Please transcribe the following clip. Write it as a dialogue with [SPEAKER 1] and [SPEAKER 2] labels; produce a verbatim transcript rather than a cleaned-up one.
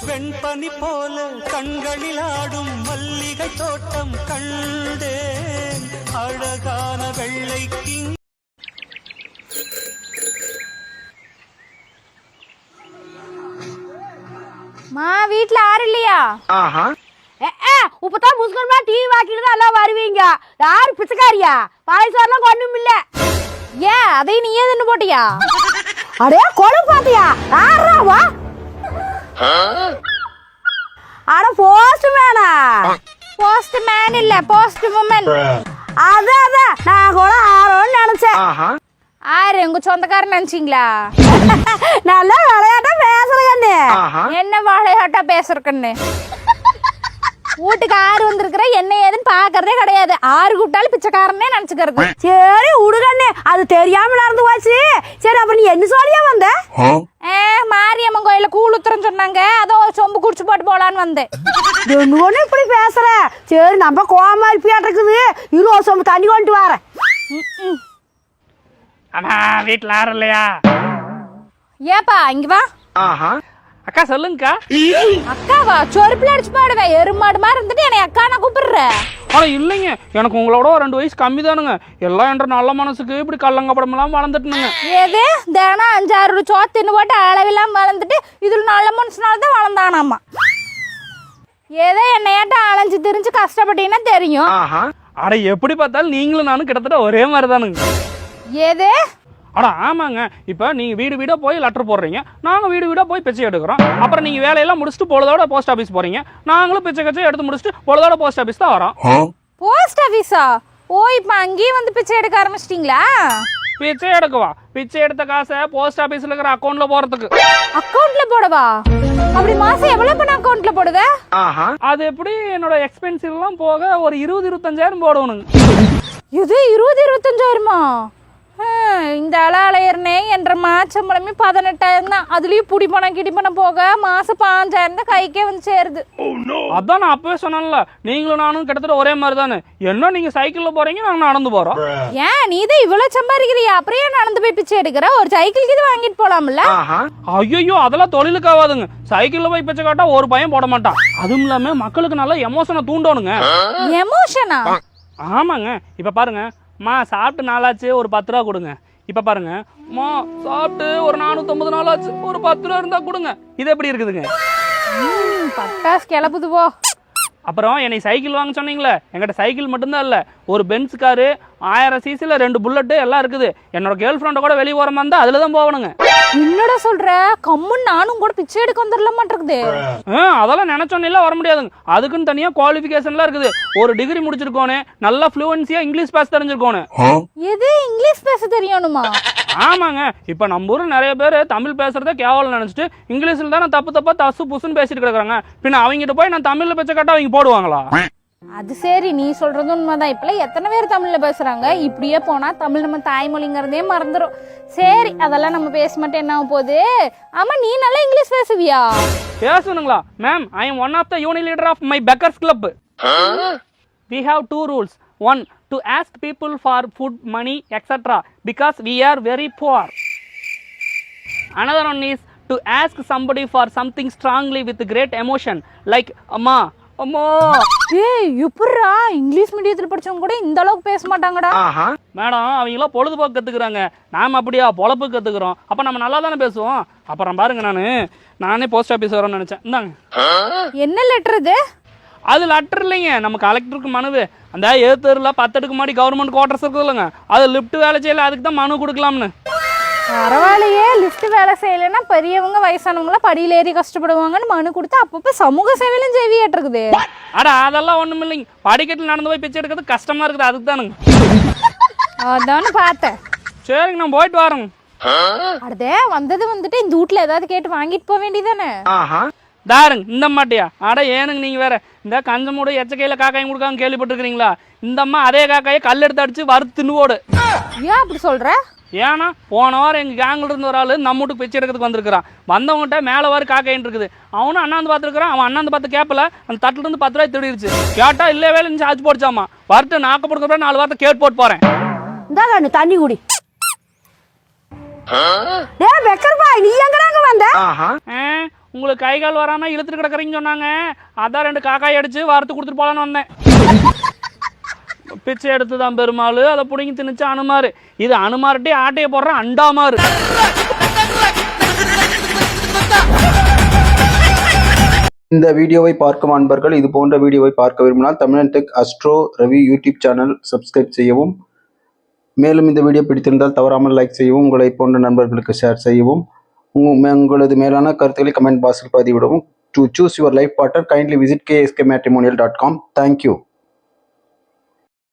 [SPEAKER 1] வெண்பனி போல கண்களில் ஆடும் மல்லிகை தோட்டம் கண்டேன் அழகான வெள்ளைக்கு.
[SPEAKER 2] மா வீட்ல யாரும் இல்லையா? இப்பதான் முஸ்கர்மா டிவி வாக்கிட்டு தான் எல்லாம் வருவீங்க. யாரு பிச்சைக்காரியா? பாயசம் ஒண்ணும் இல்ல. ஏன் அதையும் நீயே தின்னு போட்டியா? அடே கொலை பாத்தியா? யாராவா? அட போஸ்ட் மேனா? போஸ்ட் மேன் இல்ல, போஸ்ட் உமன். அதான் அதான் நான் கூட ஆரோன்னு நினைச்சேன். ஆறு உங்க சொந்தக்காரன் நினைச்சீங்களா? நல்லா விளையாட்டா பேசுறேன்னு. என்ன விளையாட்டா பேசுறேன்னு? வீட்டுக்கு ஆறு வந்திருக்கிற என்ன ஏதுன்னு பாக்குறதே கிடையாது. ஆறு கூப்பிட்டாலும் பிச்சைக்காரனே நினைச்சுக்கிறது. சரி உடுகண்ணே, அது தெரியாம நடந்து போச்சு. சரி அப்ப நீ என்ன சொல்லியா வந்த? மாரியம்மன் கோயில கூழ் ஊத்துறன்னு சொன்னாங்க, அதோ சொம்பு குடிச்சு போட்டு போலான்னு வந்தேன். என்ன ஒண்ணு இப்படி பேசுற? சரி நம்ம கோவமா இருப்பியாட்டு இருக்குது. இருபது சொம்பு தண்ணி கொண்டு வரேன்.
[SPEAKER 3] அம்மா வீட்டுல யாரும் இல்லையா?
[SPEAKER 2] ஏப்பா இங்க வா.
[SPEAKER 3] அக்கா சொல்லுங்கக்கா.
[SPEAKER 2] அக்காவா? சொருப்புல அடிச்சு பாடுவேன். எருமாடு மாதிரி இருந்துட்டு என்னை அக்கா நான் கூப்பிடுறேன்.
[SPEAKER 3] ஆனா இல்லைங்க, எனக்கு உங்களோட ரெண்டு வயசு கம்மி தானுங்க. எல்லாம் என்ற நல்ல மனசுக்கு இப்படி கல்லங்கப்படம் எல்லாம் வளர்ந்துட்டுனுங்க.
[SPEAKER 2] ஏது தினம் அஞ்சாறு சோத்தின்னு போட்டு அளவெல்லாம் வளர்ந்துட்டு இதுல நல்ல மனுஷனாலதான் வளர்ந்தானாமா. ஏதோ என்னையாட்ட அலைஞ்சு திரிஞ்சு கஷ்டப்பட்டீங்கன்னா தெரியும்.
[SPEAKER 3] அட எப்படி பார்த்தாலும் நீங்களும் நானும் கிட்டத்தட்ட ஒரே மாதிரி தானுங்க.
[SPEAKER 2] ஏது?
[SPEAKER 3] அட ஆமாங்க. இப்போ நீங்கள் வீடு வீடாக போய் லெட்டர் போடுறீங்க, நாங்கள் வீடு வீடாக போய் பிச்சை எடுக்கிறோம். அப்புறம் நீங்கள் வேலையெல்லாம் முடிச்சுட்டு பொழுதோட போஸ்ட் ஆஃபீஸ் போகிறீங்க, நாங்களும் பிச்சை கச்சை எடுத்து முடிச்சுட்டு பொழுதோட போஸ்ட் ஆஃபீஸ் தான் வரோம்.
[SPEAKER 2] போஸ்ட் ஆஃபீஸா? ஓ இப்போ அங்கேயும் வந்து பிச்சை எடுக்க ஆரம்பிச்சிட்டிங்களா?
[SPEAKER 3] பிச்சை எடுக்கவா? பிச்சை எடுத்த காசை போஸ்ட் ஆஃபீஸில் இருக்கிற அக்கௌண்ட்ல போகிறதுக்கு.
[SPEAKER 2] அக்கௌண்ட்ல போடவா? அப்படி மாசம் எவ்வளவு பண்ண அக்கௌண்ட்ல போடுவ?
[SPEAKER 3] அது எப்படி என்னோட எக்ஸ்பென்சிவ் எல்லாம் போக ஒரு இருபது இருபத்தஞ்சாயிரம் போடணுங்க.
[SPEAKER 2] இது இருபது இருபத்தஞ்சாயிரமா? இந்த அலாலயர்னே என்ற மாச்சம்பளமே பதினெட்டாயிரம் தான். அதுலயும் புடி பணம் கிடி பணம் போக மாசம் பாஞ்சாயிரம் தான் கைக்கே வந்து சேருது.
[SPEAKER 3] அதான் நான் அப்பவே சொன்னேன்ல, நீங்களும் நானும் கிட்டத்தட்ட ஒரே மாதிரி தானே. என்ன நீங்க சைக்கிள்ல போறீங்க, நாங்க நடந்து போறோம்.
[SPEAKER 2] ஏன் நீ தான் இவ்வளவு சம்பாதிக்கிறியா? அப்படியே நடந்து போய் பிச்சை எடுக்கிற? ஒரு சைக்கிளுக்கு இது வாங்கிட்டு போலாம்ல?
[SPEAKER 3] ஐயோ அதெல்லாம் தொழிலுக்கு ஆகாதுங்க. சைக்கிள்ல போய் பிச்சை காட்டா ஒரு பையன் போட மாட்டான். அதுவும் இல்லாம மக்களுக்கு நல்ல எமோஷனை தூண்டணுங்க.
[SPEAKER 2] எமோஷனா?
[SPEAKER 3] ஆமாங்க. இப்ப பாருங்க, மா சாப்பிட்டு நாளாச்சு ஒரு பத்து ரூபா கொடுங்க. இப்ப பாருங்க, மா சாப்பிட்டு ஒரு நானூத்தி ஐம்பது நாள் ஆச்சு ஒரு பத்து ரூபா இருந்தா கொடுங்க. இது எப்படி இருக்குதுங்க?
[SPEAKER 2] பட்டாசு கிளப்புது போ.
[SPEAKER 3] அப்புறம் என்னை சைக்கிள் வாங்க சொன்னீங்களே, என்கிட்ட சைக்கிள் மட்டும்தான் இல்லை, ஒரு பென்ஸ் காரு, ஆயிரம் சிசியில் ரெண்டு புல்லட்டு எல்லாம் இருக்குது. என்னோட கேர்ள் ஃப்ரெண்டை கூட வெளியே போகிற மாதிரி இருந்தால் அதில் தான் போகணுங்க.
[SPEAKER 2] என்னடா சொல்ற? கம்முன்னு நானும் கூட பிச்சை எடுக்க வந்துடல மாட்டிருக்குது.
[SPEAKER 3] ஆ அதெல்லாம் நினைச்சோன்னே வர முடியாதுங்க. அதுக்குன்னு தனியாக குவாலிஃபிகேஷன்லாம் இருக்குது. ஒரு டிகிரி முடிச்சிருக்கோனே, நல்லா ஃப்ளூவன்சியாக இங்கிலீஷ் பேச தெரிஞ்சிருக்கோனே.
[SPEAKER 2] எது இங்கிலீஷ் பேச தெரியணுமா?
[SPEAKER 3] ஆமாங்க. இப்போ நம்ம ஊர் நிறைய பேர் தமிழ் பேசுறதே கேவலம் நினைச்சிட்டு இங்கிலீஷில் தானே தப்பு தப்பா தசு புசுன்னு பேசிட்டு கிடக்குறாங்க. பின்ன அவங்ககிட்ட போய் நான் தமிழ்ல பேச்ச கேட்டா அவங்க போடுவாங்களா?
[SPEAKER 2] அது சரி, நீ சொல்றது உண்மைதான். இப்பெல்லாம் எத்தனை பேர் தமிழ்ல பேசுறாங்க. இப்படியே போனா தமிழ் நம்ம தாய்மொழிங்கிறதே மறந்துடும். சரி அதெல்லாம் நம்ம பேச மாட்டேன், என்ன ஆக போகுது? ஆமா நீ நல்லா இங்கிலீஷ் பேசுவியா?
[SPEAKER 3] பேசணுங்களா ma'am? I am one of the unit leader of my beggars club. We have two rules. One, to ask people for food, money, et cetera because we are very poor. Another one is to ask somebody for something strongly with great emotion like amma, amma.
[SPEAKER 2] ஏய் எப்பறா English மீடியத்துல படிச்சவங்க கூட இந்த அளவுக்கு பேச மாட்டாங்கடா.
[SPEAKER 3] Madam அவங்கள பொழுதுபோக்கு கத்துக்கிறாங்க, நாம அப்படியா பொழப்பு கத்துக்கிறோம். அப்ப நம்ம நல்லா தானே பேசுவோம். அப்புறம் பாருங்க, நானு நானே போஸ்ட் ஆஃபீஸ் வரேன்னு நினைச்சேன். இந்தாங்க. என்ன
[SPEAKER 2] லெட்டர் இது?
[SPEAKER 3] அது லெட்டர் இல்லைங்க, நம்ம கலெக்டருக்கு மனுவு. அந்த ஏத்தூரில் பத்தடுக்கு மாடி கவர்மெண்ட் குவார்டர்ஸ் இருக்குது இல்லைங்க, அது லிஃப்ட் வேலை செய்யல, அதுக்கு தான் மனு கொடுக்கலாம்னு.
[SPEAKER 2] பரவாயில்லையே, லிஃப்ட் வேலை செய்யலைன்னா பெரியவங்க வயசானவங்களாம் படியில் ஏறி கஷ்டப்படுவாங்கன்னு மனு கொடுத்து அப்பப்போ சமூக சேவையிலும் செய்வியாட்டு இருக்குது.
[SPEAKER 3] அட அதெல்லாம் ஒன்றும் இல்லைங்க, படிக்கட்டில் நடந்து போய் பிச்சை எடுக்கிறது கஷ்டமா இருக்குது, அதுக்கு தானுங்க.
[SPEAKER 2] அதானு பார்த்தேன்.
[SPEAKER 3] சரிங்க நான் போயிட்டு வரேங்க.
[SPEAKER 2] அடுத்தே வந்தது வந்துட்டு இந்த வீட்டில் ஏதாவது கேட்டு வாங்கிட்டு போக வேண்டியதானே?
[SPEAKER 3] தாருங்க இந்த மாட்டியா? அட ஏனுங்க நீங்க வேற, இந்த கஞ்சமூட எச்சக்கையில காக்காயும் கொடுக்காங்க கேள்விப்பட்டிருக்கீங்களா? இந்த அம்மா அதே காக்காயை கல் எடுத்து அடிச்சு வறுத்து தின்னுவோடு.
[SPEAKER 2] ஏன் அப்படி சொல்ற?
[SPEAKER 3] ஏன்னா போன வாரம் எங்க கேங்ல இருந்து ஒரு ஆளு நம்ம வீட்டுக்கு பிச்சை எடுக்கிறதுக்கு வந்திருக்கிறான். வந்தவங்ககிட்ட மேல வாரு காக்காயின்னு இருக்குது. அவனும் அண்ணாந்து பார்த்துருக்கான். அவன் அண்ணாந்து பார்த்து கேப்பல, அந்த தட்டுல இருந்து பத்து ரூபாய் திருடிடுச்சு. கேட்டா இல்ல வேலை சார்ஜ் போடுச்சாமா. வரட்டு நாக்க போடுக்க நாலு வாரத்தை கேட்டு போட்டு போறேன்.
[SPEAKER 2] இந்த தண்ணி குடி. நீ எங்கடாங்க வந்த?
[SPEAKER 3] உங்களுக்கு கை கால் வராமல் இழுத்துட்டு கிடக்குறீங்கன்னு சொன்னாங்க. அதான் ரெண்டு காக்காய் அடிச்சு வறுத்து கொடுத்துட்டு போகலான்னு வந்தேன். பிச்சை எடுத்து தான் பெருமாள், அதை பிடிங்கி திணிச்சு அனுமாரு. இது அனுமார்ட்டே ஆட்டையை போடுற அண்டாமாரு.
[SPEAKER 4] இந்த வீடியோவை பார்க்கும் அன்பர்கள் இது போன்ற வீடியோவை பார்க்க விரும்பினால் Tamilan tech astro Ravi YouTube channel subscribe செய்யவும். மேலும் இந்த வீடியோ பிடித்திருந்தால் தவறாமல் லைக் செய்யவும், உங்களை போன்ற நண்பர்களுக்கு ஷேர் செய்யவும், உங்களது மேலான கருத்துக்களை கமெண்ட் பாக்ஸில் பதிவிடவும். To choose your life partner kindly visit K S K matrimonial dot com. Thank you.